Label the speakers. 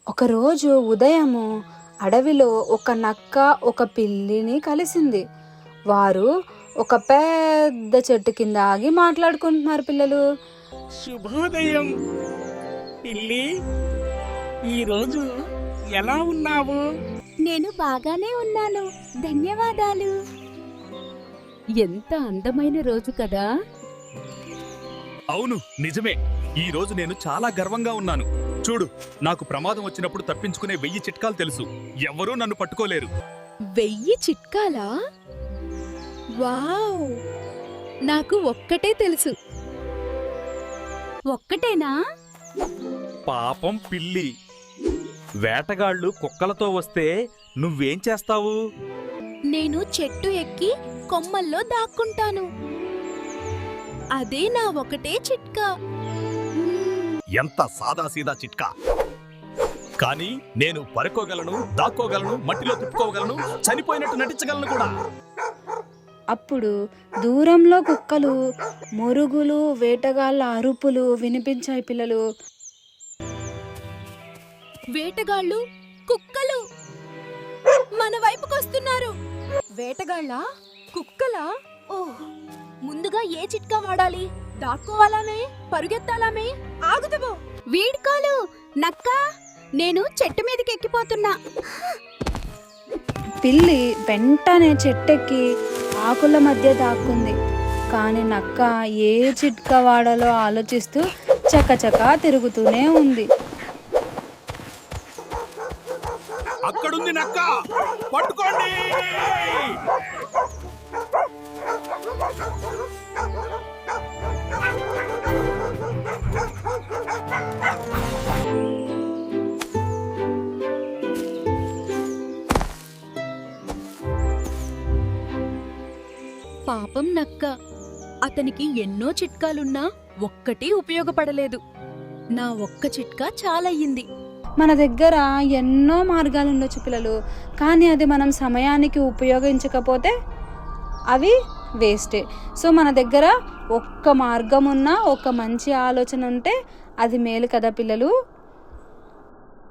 Speaker 1: ఒకరోజు ఉదయము అడవిలో ఒక నక్క ఒక పిల్లిని కలిసింది. వారు ఒక పెద్ద చెట్టు కింద ఆగి మాట్లాడుకుంటున్నారు. పిల్లలు,
Speaker 2: శుభోదయం పిల్లి, ఈరోజు ఎలా ఉన్నావు?
Speaker 3: నేను బాగానే ఉన్నాను, ధన్యవాదాలు. ఎంత అందమైన రోజు కదా.
Speaker 4: అవును, నిజమే. ఈ రోజు నేను చాలా గర్వంగా ఉన్నాను. చూడు, నాకు ప్రమాదం వచ్చినప్పుడు తప్పించుకునే 1000 చిట్కాలు తెలుసు. ఎవ్వరూ నన్ను పట్టుకోలేరు.
Speaker 3: 1000 చిట్కాలా? వావ్! నాకు ఒక్కటే తెలుసు. ఒక్కటేనా?
Speaker 4: పాపం పిల్లి. వేటగాళ్ళు కుక్కలతో వస్తే నువ్వేం చేస్తావు?
Speaker 3: నేను చెట్టు ఎక్కి కొమ్మల్లో దాక్కుంటాను. అదే నా ఒకటే చిట్కా.
Speaker 4: ఎంత సాదాసీదా చిట్కా! కానీ నేను పరుకోగలను, దాక్కోగలను, మట్టిలో తిప్పుకోగలను, చనిపోయినట్టు నటించగలను కూడా.
Speaker 1: అప్పుడు దూరంలో కుక్కలు మొరుగులు, వేటగాళ్ళ అరుపులు వినిపించాయి. పిల్లలు,
Speaker 3: వేటగాళ్ళు, కుక్కలు మన వైపుకొస్తున్నారు. వేటగాళ్ళ, కుక్కలా? ఓహ్, ముందుగా ఏ చిట్కా వాడాలి? దాక్కోవాలామే, పరుగెత్తాలామే? ఆగుతావో? వీడ్కోలు నక్క, నేను చెట్టు మీదకి ఎక్కిపోతున్నా.
Speaker 1: పిల్లి వెంటనే చెట్టెక్కి ఆకుల మధ్య దాక్కుంది. కానీ నక్క ఏ చిట్కా వాడాలో ఆలోచిస్తూ చకచకా తిరుగుతూనే ఉంది.
Speaker 4: అక్కడుంది నక్క, పట్టుకోండి!
Speaker 3: పాపం నక్క, అతనికి ఎన్నో చిట్కాలున్నా ఒక్కటి ఉపయోగపడలేదు. నా ఒక్క చిట్కా చాలయ్యింది.
Speaker 1: మన దగ్గర ఎన్నో మార్గాలు ఉండొచ్చు పిల్లలు, కానీ అది మనం సమయానికి ఉపయోగించకపోతే అవి వేస్టే. సో మన దగ్గర ఒక్క మార్గం ఉన్నా, ఒక మంచి ఆలోచన ఉంటే అది మేలు కదా పిల్లలు.